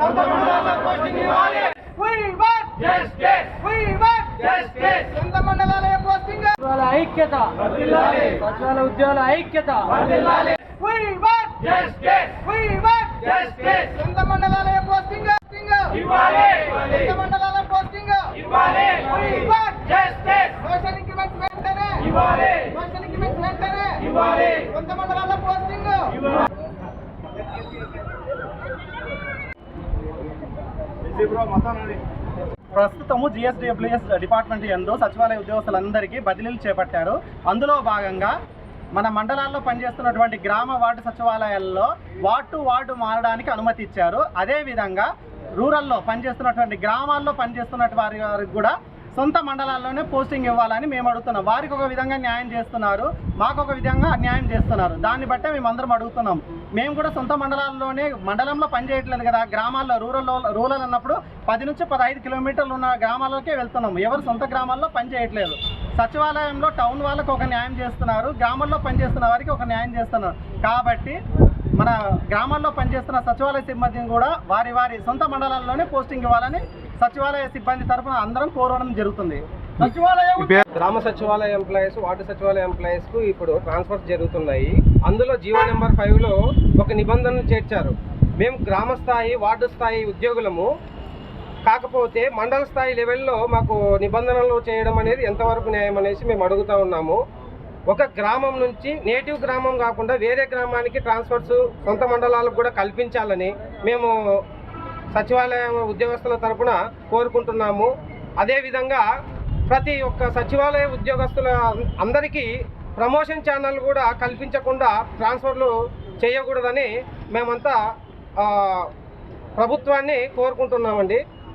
ఐక్యత సచివాలయ ఉద్యోగుల ఐక్యత సొంత మండలాల పోస్టింగ్ మండలాల పోస్టింగ్ సోషల్ ఇంక్రిమెంట్స్ వెంటనే సొంత మండలాల పోస్టింగ్ ప్రస్తుతము జిఎస్డబ్ల్యూఎస్ డిపార్ట్మెంట్ యందు సచివాలయ ఉద్యోగస్తులందరికీ బదిలీలు చేపట్టారు. అందులో భాగంగా మన మండలాల్లో పనిచేస్తున్నటువంటి గ్రామ వార్డు సచివాలయాల్లో వార్డు టు వార్డు మారడానికి అనుమతి ఇచ్చారు. అదేవిధంగా రూరల్లో పనిచేస్తున్నటువంటి గ్రామాల్లో పనిచేస్తున్నటువంటి వారికి కూడా సొంత మండలాల్లోనే పోస్టింగ్ ఇవ్వాలని మేము అడుగుతున్నాం. వారికి ఒక విధంగా న్యాయం చేస్తున్నారు, మాకు ఒక విధంగా అన్యాయం చేస్తున్నారు. దాన్ని బట్టే మేము అందరం అడుగుతున్నాం. మేము కూడా సొంత మండలాల్లోనే మండలంలో పనిచేయట్లేదు కదా, గ్రామాల్లో రూరల్ అన్నప్పుడు 10 నుంచి 15 కిలోమీటర్లు ఉన్న గ్రామాలకే వెళ్తున్నాం. ఎవరు సొంత గ్రామాల్లో పనిచేయట్లేదు. సచివాలయంలో టౌన్ వాళ్ళకు ఒక న్యాయం చేస్తున్నారు, గ్రామాల్లో పనిచేస్తున్న వారికి ఒక న్యాయం చేస్తున్నారు. కాబట్టి మన గ్రామాల్లో పనిచేస్తున్న సచివాలయ సిబ్బందిని కూడా వారి సొంత మండలాల్లోనే పోస్టింగ్ ఇవ్వాలని సచివాలయ సిబ్బంది తరఫున అందరం కోరడం జరుగుతుంది. గ్రామ సచివాలయ ఎంప్లాయీస్, వార్డు సచివాలయ ఎంప్లాయీస్ కు ఇప్పుడు ట్రాన్స్ఫర్స్ జరుగుతున్నాయి. అందులో జీవో నెంబర్ 5లో ఒక నిబంధనను చేర్చారు. మేము గ్రామ స్థాయి, వార్డు స్థాయి ఉద్యోగులము, కాకపోతే మండల స్థాయి లెవెల్లో మాకు నిబంధనలు చేయడం అనేది ఎంతవరకు న్యాయం అనేసి మేము అడుగుతూ ఉన్నాము. ఒక గ్రామం నుంచి నేటివ్ గ్రామం కాకుండా వేరే గ్రామానికి ట్రాన్స్ఫర్స్ సొంత మండలాలకు కూడా కల్పించాలని మేము సచివాలయ ఉద్యోగస్తుల తరపున కోరుకుంటున్నాము. అదేవిధంగా ప్రతి ఒక్క సచివాలయ ఉద్యోగస్తుల అందరికీ ప్రమోషన్ ఛానల్ కూడా కల్పించకుండా ట్రాన్స్ఫర్లు చేయకూడదని మేమంతా ప్రభుత్వాన్ని కోరుకుంటున్నామండి.